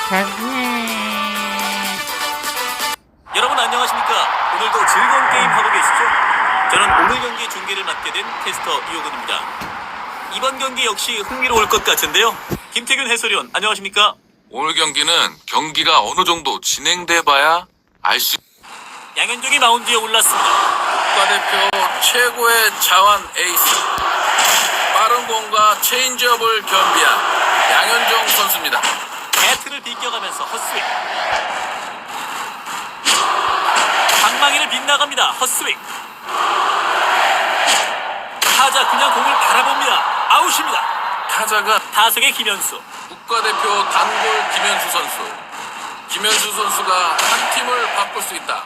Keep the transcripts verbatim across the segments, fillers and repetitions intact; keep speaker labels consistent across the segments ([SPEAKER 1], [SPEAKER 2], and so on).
[SPEAKER 1] 여러분 안녕하십니까? 오늘도 즐거운 게임 하고 계시죠? 저는 오늘 경기 중계를 맡게 된 캐스터 이호근입니다. 이번 경기 역시 흥미로울 것 같은데요. 김태균 해설위원 안녕하십니까?
[SPEAKER 2] 오늘 경기는 경기가 어느 정도 진행돼봐야 알 수.
[SPEAKER 1] 양현종이 마운드에 올랐습니다.
[SPEAKER 2] 국가대표 최고의 자완 에이스, 빠른 공과 체인지업을 겸비한 양현종 선수입니다.
[SPEAKER 1] 배트를 비껴가면서 헛스윙. 방망이를 빗나갑니다. 헛스윙. 타자 그냥 공을 바라봅니다. 아웃입니다.
[SPEAKER 2] 타자가
[SPEAKER 1] 타석의 김현수.
[SPEAKER 2] 국가대표 단골 김현수 선수. 김현수 선수가 한 팀을 바꿀 수 있다.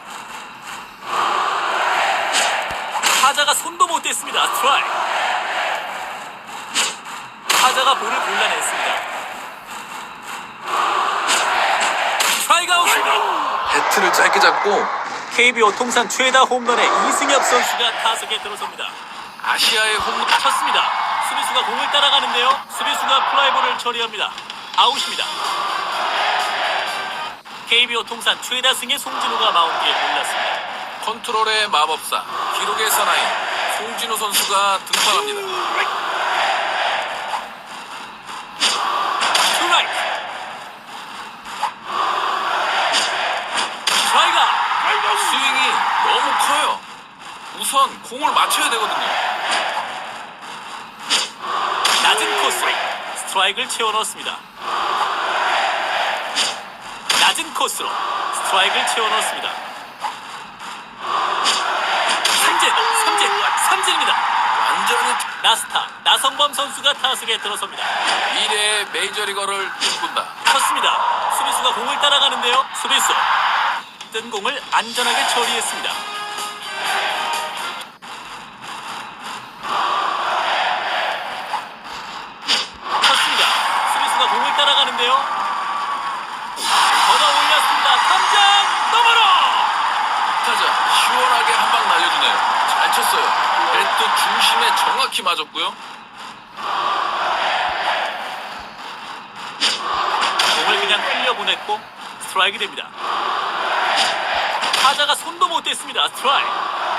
[SPEAKER 1] 타자가 손도 못 댔습니다. 스트라이크. 타자가 볼을 골라냈습니다. 스트라이크 아웃입니다.
[SPEAKER 2] 배트를 짧게 잡고
[SPEAKER 1] 케이비오 통산 최다 홈런의 이승엽 선수가 타석에 들어섭니다.
[SPEAKER 2] 아시아의 홈런
[SPEAKER 1] 쳤습니다. 수비수가 공을 따라가는데요. 수비수가 플라이볼을 처리합니다. 아웃입니다. 케이비오 통산 최다 승의 송진우가 마운드에 올랐습니다.
[SPEAKER 2] 컨트롤의 마법사, 기록의 사나이 송진우 선수가 등판합니다.
[SPEAKER 1] 스트라이크. 스트라이크.
[SPEAKER 2] 스윙이 너무 커요. 우선 공을 맞춰야 되거든요.
[SPEAKER 1] 낮은 코스. 스트라이크를 채워 넣었습니다. 낮은 코스로 스트라이크를 채워 넣었습니다. 삼진, 삼진, 삼진입니다.
[SPEAKER 2] 완전히
[SPEAKER 1] 나스타 나성범 선수가 타석에 들어섭니다.
[SPEAKER 2] 미래의 메이저리거를 꿈꾼다.
[SPEAKER 1] 쳤습니다. 수비수가 공을 따라가는데요. 수비수 뜬 공을 안전하게 처리했습니다. 쳤습니다. 수비수가 공을 따라가는데요. 걷어 올렸습니다. 탐장 너머로.
[SPEAKER 2] 타자 시원하게 한 방 날려주네요. 잘 쳤어요. 배트 중심에 정확히 맞았고요.
[SPEAKER 1] 공을 그냥 흘려보냈고 스트라이크 됩니다. 타자가 손도 못 댔습니다. 스트라이크.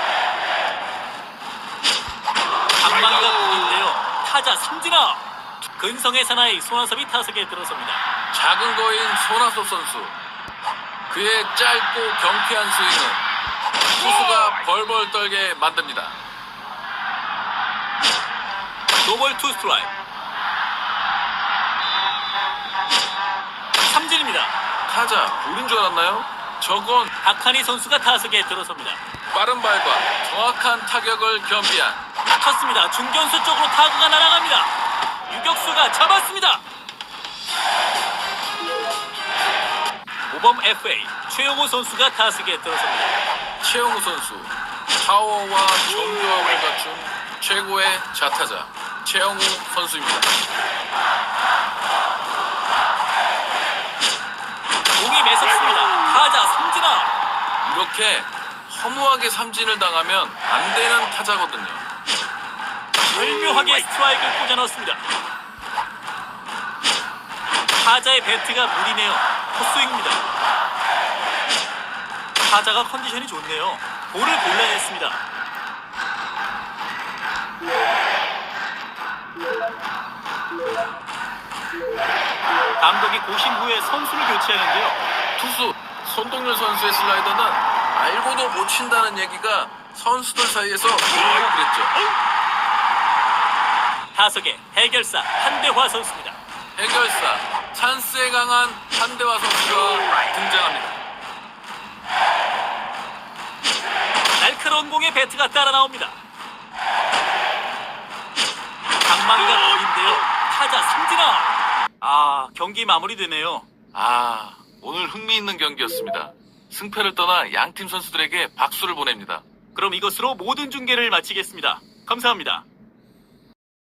[SPEAKER 1] 방망이가 보이는데요. 타자 삼진아. 근성의 사나이 손아섭이 타석에 들어섭니다.
[SPEAKER 2] 작은 거인 손아섭 선수. 그의 짧고 경쾌한 스윙은 투수가 벌벌 떨게 만듭니다.
[SPEAKER 1] 노볼 투 스트라이크. 삼진입니다.
[SPEAKER 2] 타자 볼인 줄 알았나요? 저건
[SPEAKER 1] 박한희 선수가 타석에 들어섭니다.
[SPEAKER 2] 빠른 발과 정확한 타격을 겸비한
[SPEAKER 1] 쳤습니다. 중견수 쪽으로 타구가 날아갑니다. 유격수가 잡았습니다. 오범 에프에이 최용호 선수가 타석에 들어섭니다.
[SPEAKER 2] 최영우 선수. 파워와 정교함을 갖춘 최고의 좌타자 최영우 선수입니다.
[SPEAKER 1] 공이 매섭습니다. 타자 삼진아.
[SPEAKER 2] 이렇게 허무하게 삼진을 당하면 안 되는 타자거든요.
[SPEAKER 1] 절묘하게 스트라이크를 꽂아 넣었습니다. 타자의 배트가 무리네요. 헛스윙입니다. 타자가 컨디션이 좋네요. 볼을 골라냈습니다. 감독이 고심 후에 선수를 교체하는데요.
[SPEAKER 2] 투수 손동열 선수의 슬라이더는 알고도 못 친다는 얘기가 선수들 사이에서 돌고 그랬죠.
[SPEAKER 1] 타석에 해결사 한대화 선수입니다.
[SPEAKER 2] 해결사 찬스에 강한 한대화 선수가 등장합니다.
[SPEAKER 1] 날카로운 공에 배트가 따라 나옵니다. 방망이가 보인데요. 타자 삼진아. 아, 경기 마무리되네요.
[SPEAKER 2] 아, 오늘 흥미있는 경기였습니다. 승패를 떠나 양팀 선수들에게 박수를 보냅니다.
[SPEAKER 1] 그럼 이것으로 모든 중계를 마치겠습니다. 감사합니다.